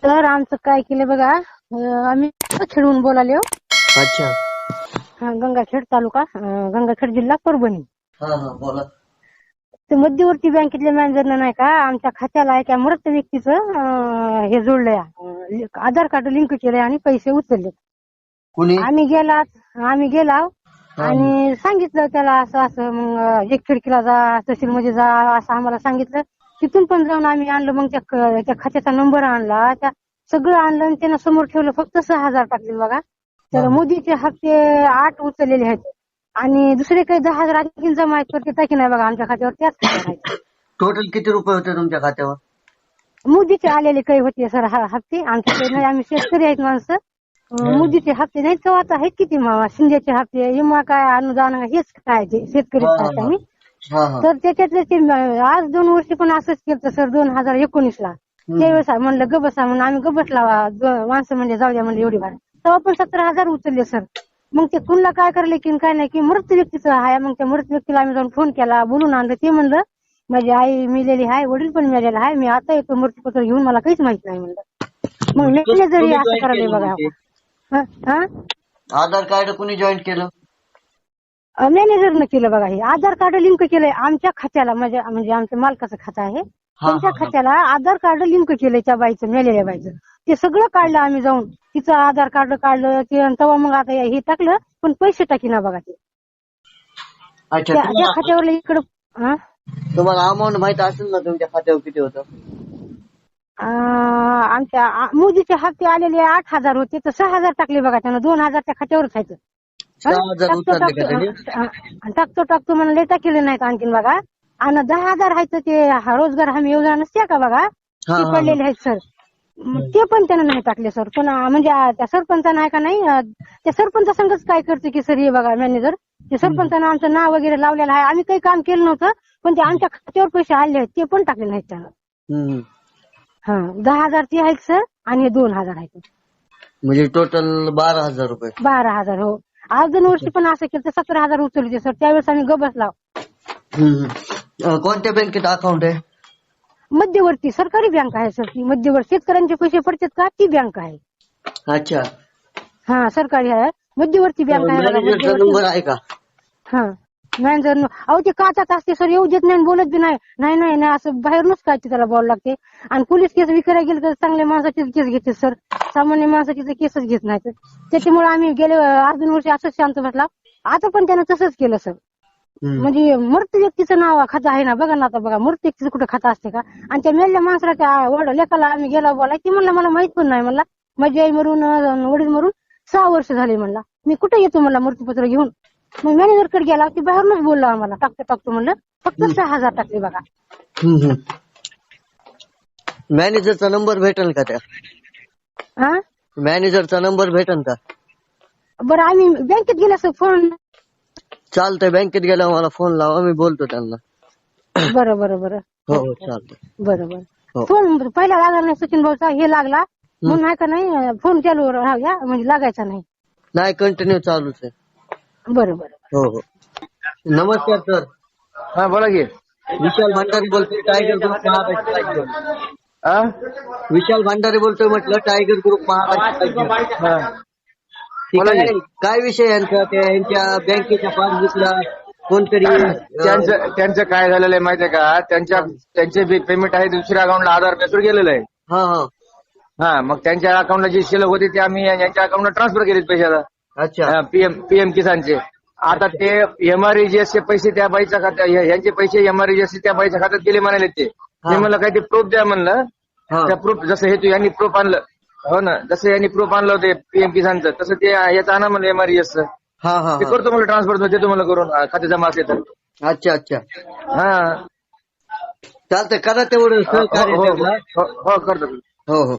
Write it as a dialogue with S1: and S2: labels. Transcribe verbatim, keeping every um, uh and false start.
S1: तर आमचं काय केलं बघा, अं, आम्ही खेळून बोलाले हो.
S2: अच्छा.
S1: हा, गंगाखेड तालुका, अं, गंगाखेड जिल्हा परभणी.
S2: हा हा बोला.
S1: ते मध्यवर्ती बँकेतल्या मॅनेजरनं नाही का आमच्या खात्याला एका मृत व्यक्तीचं अं, हे जोडलंय, अं, आधार कार्ड लिंक केलंय आणि पैसे उचलले.
S2: कुणी?
S1: आम्ही गेला आम्ही गेला
S2: हा.
S1: आणि सांगितलं त्याला असं असं, मग एक खिडकीला जा, तहसील मध्ये जा असं आम्हाला सांगितलं. तिथून पण जाऊन आम्ही आणलं, मग त्या क- त्या खात्याचा नंबर आणला, त्या सगळं आणलं आणि त्यानं समोर ठेवलं. फक्त सहा हजार टाकले बघा. तर मोदीचे हप्ते आठ उचललेले आहेत आणि दुसरे काही दहा हजार आणखी जमा आहेत, तर ते टाकी नाही बघा आमच्या खात्यावर, त्याच खात्यावर आहेत.
S2: टोटल किती रुपये होते तुमच्या खात्यावर?
S1: मोदीचे आलेले काही होते सर हा- हप्ते, आमचे काही नाही, आम्ही शेतकरी आहेत माणसं. अं, मोदीचे हप्ते नाही तर आता आहेत किती मामा, शिंदेचे हप्ते, विमा काय, अनुदान हेच काय, ते शेतकरी
S2: हा,
S1: आहेत
S2: हा.
S1: आम्ही.
S2: हा हा.
S1: तर त्याच्यातले ते आज दोन वर्षी पण असंच केलं सर, दोन हजार एकोणीस ला. त्यावेळेस म्हणलं गबसा म्हणून आम्ही गबसला माणसं म्हणजे जाऊ द्या म्हणलं एवढी भार, तेव्हा पण सतरा हजार उचलले सर. मग ते कुणला काय करले की काय नाही की मृत व्यक्तीचं आहे. मग त्या मृत व्यक्तीला आम्ही जाऊन फोन केला, बोलून आणलं. ते म्हणलं माझी आई मिलेली आहे, वडील पण मिळालेला आहे, मी आता येतो मृत्यूपत्र घेऊन, मला काहीच माहित नाही म्हणलं. मग मॅनेजर
S2: कुणी
S1: असं
S2: जॉईन
S1: करायला
S2: केलं
S1: बघा.
S2: म्हणजे?
S1: हा हा
S2: आधार कार्ड कुणी जॉईन केलं?
S1: मॅनेजरनं केलं बघा. हे आधार कार्ड लिंक केलंय आमच्या खात्याला, म्हणजे म्हणजे आमच्या मालकाचं खातं आहे,
S2: हा,
S1: त्यांच्या
S2: हा, हा.
S1: खात्याला आधार कार्ड लिंक केलंय त्या बाईचं, मेलेल्या बाईचं. ते सगळं काढलं आम्ही जाऊन, तिचं आधार कार्ड काढलं ते, आणि तेव्हा मग आता हे टाकलं, पण पैसे टाकी ना बघा ते
S2: अच्छा.
S1: त्या त्या
S2: तुम्हाला
S1: खात्यावर इकडं. हा?
S2: तुम्हाला अमाऊंट माहित असेल ना तुमच्या खात्यावर किती होतं?
S1: अं, आमच्या आ- मोदीचे हप्ते आलेले आठ हजार होते, तर सहा हजार टाकले बघा त्यानं, दोन हजार त्या खात्यावरच आहेत.
S2: सहा हजार
S1: टाकतो
S2: उचलले का
S1: टाकतो
S2: त्याने?
S1: अं, टाकतो टाकतो म्हणून लय टाकले नाहीत आणखीन बघा. आणि दहा हजार आहेत ते हा रोजगार हमी योजना नसते का बघा,
S2: हा,
S1: ते
S2: हा,
S1: पडलेले आहेत सर. मग ते पण त्यानं नाही टाकले सर. पण अं, म्हणजे अं, त्या सरपंचानं आहे का नाही, अं, त्या सरपंचा संघच काय करते की सर, हे बघा मॅनेजर, ते सरपंचानं आमचं नाव वगैरे लावलेलं आहे, आम्ही काही काम केलं नव्हतं, पण ते आमच्या खात्यावर पैसे आले आहेत, ते पण टाकले नाहीत त्यानं.
S2: हम्म.
S1: हा, दहा हजार ते आहेत सर आणि हे दोन हजार आहेत,
S2: म्हणजे टोटल बारा हजार रुपये.
S1: बारा हजार. हो, आज दोन वर्षी पण असं केलं तर सतरा हजार उचलले सर. त्यावेळेस आम्ही गबस लाव.
S2: हम्म. अं, कोणत्या बँकेत अकाउंट आहे?
S1: मध्यवर्ती सरकारी बँक आहे सर ती. मध्यवर्ती शेतकऱ्यांचे पैसे पडतात का, ती बँक आहे.
S2: अच्छा.
S1: हा, सरकारी आहे, मध्यवर्ती बँक आहे बघा,
S2: मॅनेजरचा
S1: मध्यवर्ती.
S2: नंबर आहे का?
S1: हा, मॅनेजर अहो ते काचात असते सर, येऊ देत नाही, बोलत बी नाही. नाही नाही नाही असं बाहेरूनच काय ते त्याला बोलावं लागते. आणि पोलीस केस विकायला गेलं तर चांगल्या माणसाचीच केस घेते सर, सामान्य माणसाची तर केसच घेत नाही. त्याच्यामुळे आम्ही गेले अर्ध दोन वर्षी असंच शांत बसला. आता पण त्यानं तसंच केलं सर.
S2: हम्म.
S1: म्हणजे मृत व्यक्तीचं नाव खातं आहे ना बघा ना. आता बघा, मृत व्यक्तीचं कुठं खातं असते का? आणि त्या मेल्या माणसाला त्या वड लेकाला आम्ही गेला बोलाय, ती म्हणला मला माहित पण नाही म्हणला, माझी आई मरून अं, वडील मरून सहा वर्ष झाले म्हणला, मी कुठे येतो म्हणला मृत्यूपत्र घेऊन. मग मॅनेजर कडे गेला, ती बाहेरूनच बोलला आम्हाला, टाकतो टाकतो म्हणलं. फक्त सहा हजार टाकले बघा.
S2: हम्म. मॅनेजरचा नंबर भेटेल का त्या?
S1: हा,
S2: मॅनेजरचा नंबर भेटेल का?
S1: बरं आम्ही बँकेत गेला सर, फोन.
S2: चालतंय, बँकेत गेल्यावर मला फोन लावा, मी बोलतो त्यांना.
S1: बरं बरं बरं.
S2: हो हो चालतंय.
S1: बरं बरं.
S2: हो.
S1: फोन पहिला लागला नाही सचिन भाऊचा, हे लागला म्हणून आहे का नाही, फोन चालू राहू द्या म्हणजे लागायचा नाही.
S2: नाही, कंटिन्यू चालूच आहे.
S1: बरं बरं.
S2: हो हो. नमस्कार सर.
S3: हा बोला की.
S2: विशाल भंडारी बोलतोय, टायगर ग्रुप महाराष्ट्र राज्य.
S3: हा?
S2: विशाल भंडारी बोलतोय म्हटलं, टायगर ग्रुप महाराष्ट्र राज्य.
S3: हा.
S2: ठीक
S3: बोला
S2: आहे.
S3: की.
S2: काय विषय यांचा? ते यांच्या बँकेच्या पासबुकला कोणतरी अं,
S3: त्यांचं त्यांचं काय झालेलं आहे माहितीये का, त्यांच्या त्यांचे पेमेंट आहे दुसऱ्या अकाउंटला आधार बेसवर गेलेलं आहे.
S2: हा हा.
S3: हा, मग त्यांच्या अकाउंटला जी शिल्लक होती ते आम्ही यांच्या अकाउंटला ट्रान्सफर केलेत पैसे आता.
S2: अच्छा.
S3: पीएम पीएम किसानचे. आता ते एमआरईजीएसचे पैसे त्या बाईच्या खात्यात, यांचे पैसे एमआरईजीएस त्या बाईच्या खात्यात गेले म्हणाले ते. मी म्हणलं काय ते प्रूफ द्या म्हणलं.
S2: हा.
S3: त्या प्रूफ जसं हे तू यांनी प्रूफ आणलं, हो ना, जसं यांनी प्रूफ आणलं होते पीएम किसानचं, तसं ते याचं आणा म्हणलं एमआरईजीएसचं.
S2: हा हा
S3: ते
S2: हा.
S3: करतो म्हणलं ट्रान्सफर, देतो म्हणलं करून खाते जमा असले तर.
S2: अच्छा अच्छा.
S3: हा,
S2: चालतंय, करा तेवढं
S3: हो
S2: सहकार्य
S3: हो
S2: त्यांना.
S3: हो हो करतो.
S2: हो हो.